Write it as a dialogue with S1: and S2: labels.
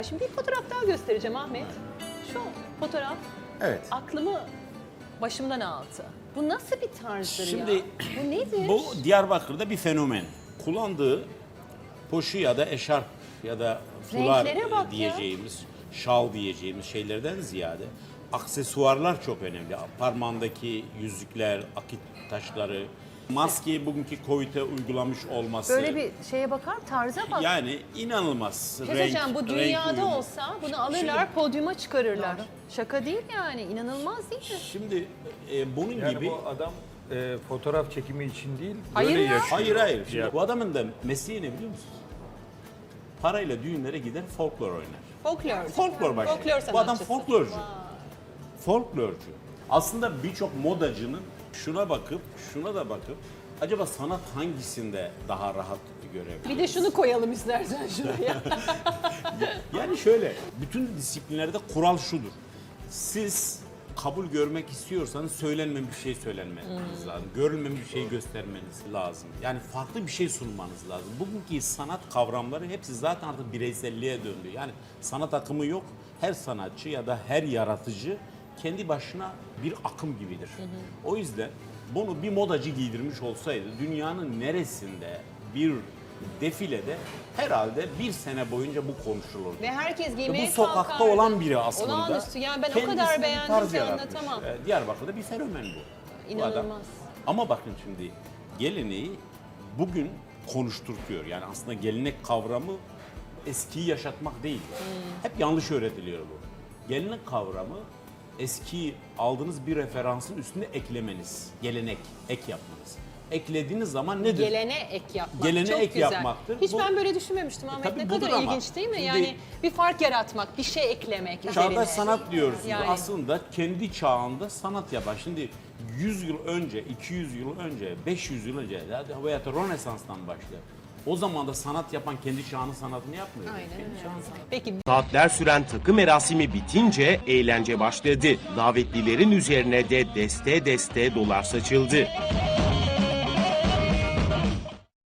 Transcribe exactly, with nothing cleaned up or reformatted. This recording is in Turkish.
S1: Şimdi bir fotoğraf daha göstereceğim Ahmet. Şu fotoğraf
S2: Evet.
S1: aklımı başımdan aldı. Bu nasıl bir tarzdır
S2: Şimdi
S1: ya? Bu nedir?
S2: bu Diyarbakır'da bir fenomen. Kullandığı poşu ya da eşarp ya da fular
S1: Renklere bak ya.
S2: diyeceğimiz, şal diyeceğimiz şeylerden ziyade aksesuarlar çok önemli. Parmağındaki yüzükler, akit taşları, maskeyi bugünkü Covid'e uygulamış olması.
S1: Böyle bir şeye bakar, tarza bak.
S2: Yani inanılmaz.
S1: Bir şey söyleyeceğim, bu dünyada
S2: uyumu.
S1: olsa bunu alırlar,
S2: Şimdi-
S1: podyuma çıkarırlar. Şaka değil yani, inanılmaz değil mi?
S2: Şimdi e, bunun
S3: Yani
S2: gibi...
S3: bu adam e, fotoğraf çekimi için değil,
S1: Hayır
S3: böyle
S1: ya.
S3: yaşıyor.
S2: Hayır hayır. Şimdi
S3: Ya.
S2: bu adamın da mesleği ne biliyor musunuz? Parayla düğünlere gider, folklor oynar.
S1: Folklor.
S2: Folklor başlıyor.
S1: Folklor
S2: Bu adam
S1: sanatçısı.
S2: folklorcu. Folklorcu. Aslında birçok modacının şuna bakıp, şuna da bakıp acaba sanat hangisinde daha rahat görebilir?
S1: Bir de şunu koyalım istersen şuraya.
S2: Yani şöyle, bütün disiplinlerde kural şudur. Siz kabul görmek istiyorsanız söylenmeyen bir şey söylenmeniz lazım. Görülmeyen bir şey göstermeniz lazım. Yani farklı bir şey sunmanız lazım. Bugünkü sanat kavramları hepsi zaten artık bireyselliğe döndü. Yani sanat akımı yok. Her sanatçı ya da her yaratıcı kendi başına bir akım gibidir. O yüzden bunu bir modacı giydirmiş olsaydı dünyanın neresinde bir defilede herhalde bir sene boyunca bu konuşulurdu.
S1: Ve herkes
S2: Ya
S1: giymeye
S2: bu sokakta
S1: kalkardı.
S2: olan biri aslında.
S1: Olağanüstü. Yani ben o
S2: Kendisine
S1: kadar
S2: bir
S1: beğendim
S2: tarz
S1: ki
S2: yaratmış.
S1: anlatamam.
S2: Ee, Diyarbakır'da bir fenomen bu. Bu
S1: İnanılmaz.
S2: adam. Ama bakın şimdi geleneği bugün konuşturtuyor. Yani aslında gelenek kavramı eskiyi yaşatmak değil.
S1: Hmm.
S2: Hep yanlış öğretiliyor bu. Gelenek kavramı eski aldığınız bir referansın üstüne eklemeniz. Gelenek, ek yapmanız. Eklediğiniz zaman nedir?
S1: Gelene ek yapmak.
S2: Gelene
S1: Çok
S2: ek
S1: güzel.
S2: yapmaktır.
S1: Hiç
S2: Bu-
S1: ben böyle düşünmemiştim Ahmet.
S2: tabii
S1: Ne
S2: budur
S1: kadar
S2: ama.
S1: ilginç değil mi?
S2: Şimdi-
S1: Yani bir fark yaratmak, bir şey eklemek üzerine.
S2: Çağdaş sanat diyorsunuz.
S1: Yani.
S2: Aslında kendi çağında sanat yapar. Şimdi yüz yıl önce, iki yüz yıl önce, beş yüz yıl önce veya da Rönesans'tan başlar. O zaman da sanat yapan kendi çağının sanatını yapmıyor.
S1: Aynen
S2: Kendi
S1: öyle.
S2: çağının sanatını.
S1: Peki
S4: Saatler süren takı merasimi bitince eğlence başladı. Davetlilerin üzerine de deste deste dolar saçıldı.